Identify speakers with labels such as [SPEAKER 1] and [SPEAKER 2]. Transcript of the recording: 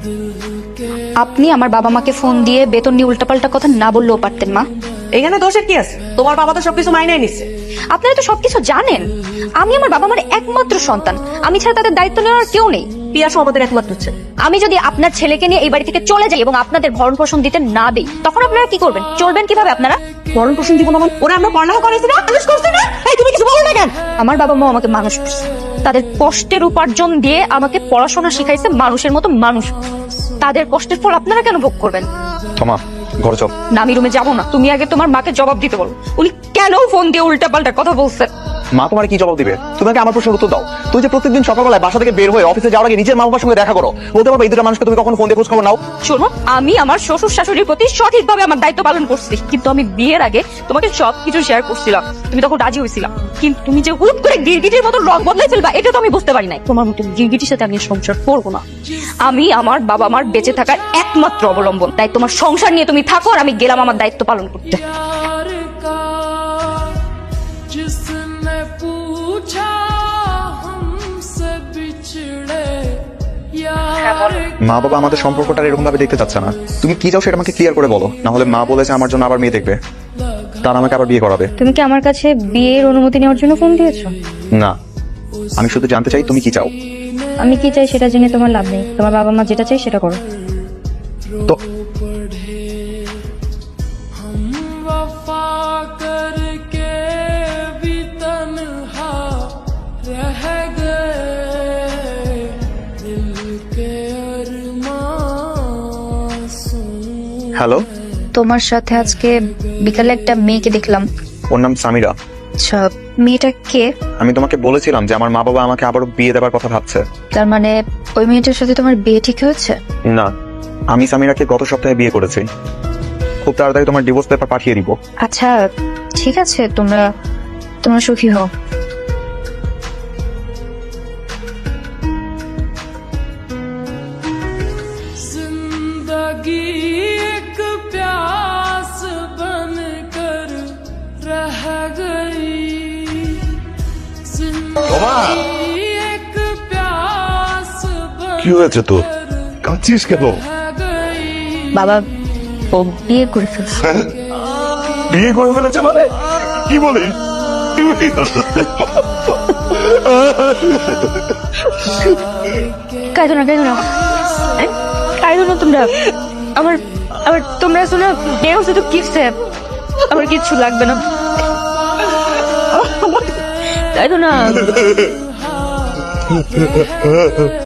[SPEAKER 1] আপনি আমার বাবা মাকে ফোন দিয়ে বেতন নিয়ে উল্টাপাল্টা কথা না বললেও পারতেন মা।
[SPEAKER 2] এখানে দোষের কি আছে? তোমার বাবা তো সবকিছু মাইনে নিচ্ছে।
[SPEAKER 1] আপনারা তো সবকিছু জানেন। আমি আমার বাবা মার একমাত্র সন্তান, আমি ছাড়া তাদের দায়িত্ব নেওয়ার কেউ নেই।
[SPEAKER 2] পিয়াসও আমাদের একমাত্র হচ্ছে।
[SPEAKER 1] আমি যদি আপনার ছেলেকে নিয়ে এই বাড়ি থেকে চলে যাই এবং আপনাদের ভরণ পোষণ দিতে না দেই, তখন আপনারা কি করবেন? চলবেন কিভাবে আপনারা?
[SPEAKER 2] ভরণ পোষণ দিব না মানে? ওরা আমরা পড়ালেখা করেছি না, মানুষ করছি না। এই তুমি কিছু বলো না কেন?
[SPEAKER 1] আমার বাবা মা আমাকে মানুষ করছে, তাদের কষ্টের উপার্জন দিয়ে আমাকে পড়াশোনা শিখাইছে, মানুষের মতো মানুষ। তাদের কষ্টের ফল আপনারা কেন ভোগ করবেন?
[SPEAKER 3] তোমা ঘরে চল।
[SPEAKER 1] না, আমি রুমে যাবো না। তুমি আগে তোমার মাকে জবাব দিতে বলো, উনি কেন ফোন দিয়ে উল্টাপাল্টা কথা বলছেন।
[SPEAKER 3] মা তোমার কি জবাব দিবে? তুমি আগে আমার প্রশ্নের উত্তর দাও। তুমি যে প্রত্যেকদিন সকালবেলায় বাসা থেকে বের হয়ে অফিসে যাওয়ার আগে নিজের মা বাবার সঙ্গে দেখা করো, বলতে পারবে এই দুটো মানুষকে তুমি কখন ফোন দিয়ে খোঁজ খবর নাও?
[SPEAKER 1] শোনো, আমি আমার শ্বশুর শাশুড়ির প্রতি সঠিকভাবে আমার দায়িত্ব পালন করছি, কিন্তু আমি বিয়ের আগে তোমাকে সবকিছু শেয়ার করছিলাম, তুমি তখন রাজি হয়েছিলাম। কিন্তু তুমি যে হুট করে গিরগিটির মতো রং বদলাই ফেলবা, এটা তো আমি বুঝতে পারি নাই। তোমার মতো গিরগিটির সাথে আমি সংসার করবো না। আমি আমার বাবা মার বেঁচে থাকার একমাত্র অবলম্বন, তাই তোমার সংসার নিয়ে তুমি থাকো, আর আমি গেলাম আমার দায়িত্ব পালন করতে।
[SPEAKER 4] जिसने पूछा हमसे बिछड़े यार।
[SPEAKER 3] মা বাবা আমাদের সম্পর্কটা এরকম ভাবে দেখতে চাচ্ছে না। তুমি কি চাও সেটা আমাকে ক্লিয়ার করে বলো, না হলে মা বলেছে আমার জন্য আবার মেয়ে দেখবে, তার আমাকে আবার বিয়ে করাবে।
[SPEAKER 1] তুমি কি আমার কাছে বিয়ের অনুমতি নেওয়ার জন্য ফোন দিয়েছো?
[SPEAKER 3] না, আমি শুধু জানতে চাই তুমি কি চাও।
[SPEAKER 1] আমি কি চাই সেটা জেনে তোমার লাভ নেই। তোমার বাবা মা যেটা চাই সেটা করো।
[SPEAKER 3] তো
[SPEAKER 4] वफा करके भी तन्हा रह गए दिल के अरमां सुन।
[SPEAKER 3] হ্যালো,
[SPEAKER 1] তোমার সাথে আজকে বিকালে একটা মেয়েকে দেখলাম।
[SPEAKER 3] ওর নাম সামিরা।
[SPEAKER 1] আচ্ছা, মেয়েটা কে?
[SPEAKER 3] আমি তোমাকে বলেছিলাম যে আমার মা বাবা আমাকে আবারও বিয়ে দেওয়ার কথা ভাবছে।
[SPEAKER 1] তার মানে ওই মেয়েটার সাথে তোমার বিয়ে ঠিক হয়েছে?
[SPEAKER 3] না, আমি সামিরাকে গত সপ্তাহে বিয়ে করেছি। খুব তাড়াতাড়ি তোমার ডিভোর্স পেপার পাঠিয়ে দিব।
[SPEAKER 1] আচ্ছা ঠিক আছে, তোমরা সুখী হও।
[SPEAKER 4] जिंदगी एक प्यास बनकर रह गई जिंदगी एक प्यास
[SPEAKER 5] কি হয়েছে তোর? কাঁদছিস কেন?
[SPEAKER 4] रह गई।
[SPEAKER 1] বাবা ও বিয়ে করে ফেলছে।
[SPEAKER 5] বিয়ে করে ফেলেছে মানে? কি বলে?
[SPEAKER 1] কাঁদো না কাঁদো না তোমরা। আমার তোমরা শোনো, বিয়ে হচ্ছে তো কিসে, আমার কিচ্ছু লাগবে না। কাঁদো না।